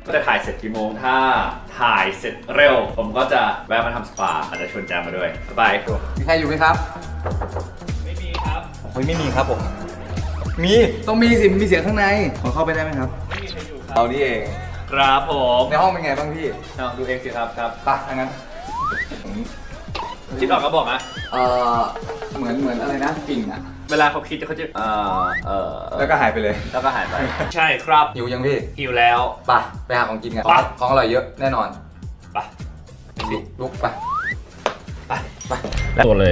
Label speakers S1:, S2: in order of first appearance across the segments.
S1: ก็จะถ่ายเสร็จกี่โมงถ้าถ่ายเสร็จเร็วผมก็จะแวะมาทำสปาอาจจะชวนแจมมาด้วยบายครับ
S2: มีใครอยู่ไหมครับ
S1: ไม่มีครับ
S2: โอ้ยไม่มีครับผมมีต้องมีสิมีเสียงข้างในขอเข้าไปได้ไหมครับ
S1: ไม่มีใครอยู่ครับ
S2: เอานี่เอง
S1: ครับผม
S2: ในห้องเป็นไงบ้างพี่
S1: เอาดูเองสิครับครับ
S2: ไปะงั้น
S1: คิดออกก็บอกนะ
S2: เหมือนอะไรนะกิ่งอ่ะ
S1: เวลาเขาคิดเขาจะ
S2: แล้วก็หายไปเลย
S1: แล้วก็หายไป ใช่ครับ
S2: หิวยังพี่
S1: หิวแล้ว
S2: ไปหาของกินกัน
S1: ไป
S2: ของอร่อยเยอะแน่นอน
S1: ไป
S2: ลุกไป
S1: ไปตัวเลย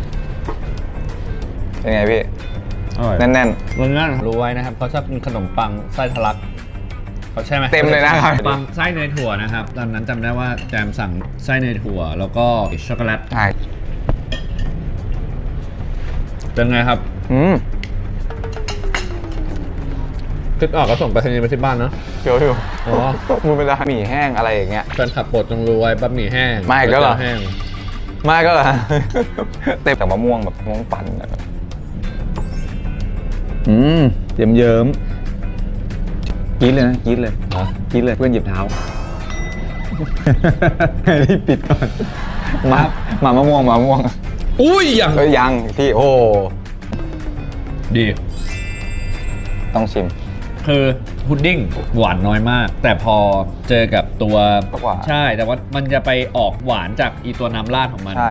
S2: เป็นไงพี่
S3: อร่อย
S2: แน่น
S3: มันนั่นรู้ไว้นะครับเขาชอบกินขนมปังไส้ทะลักเขาใช่ไหม
S2: เต็มเลยนะครับ
S3: ปังไส้เนยถั่วนะครับตอนนั้นจำได้ว่าแจมสั่งไส้เนยถั่วแล้วก็ช็อกโกแลต
S2: ใช่
S3: เป็นไงครับคิดออกก็ส่งไปรษณีย์ไปที่บ้านเนาะ
S2: เดี๋ยวอยู่
S3: อ๋อ
S2: มูเป็นหมี่แห้งอะไรอย่างเงี้ย
S3: แฟนขับโปรดจงรู้ไว้บะหมี่แห้ง
S2: มาอีกแล้วเหรอ
S3: แห้ง
S2: ไม่ก็เหรอ เต็มแต่มะม่วงแบบมะม่วงปั่นอะเยิ้มกรี๊ดเลยนะกรี๊ดเลย
S3: เหรอก
S2: รี๊ดเลยเพื่อนหยิบเท้า รีบปิดก่อนมามะม่วง
S3: อุ้ยอย่าง
S2: ยังพี่โอ้
S3: ดี
S2: ต้องชิม
S3: คือพุดดิ้งหวานน้อยมาก แต่พอเจอกับตัว
S2: หวาน
S3: ใช่แต่ว่ามันจะไปออกหวานจากอีตัวน้ำราดของมัน
S2: ใช่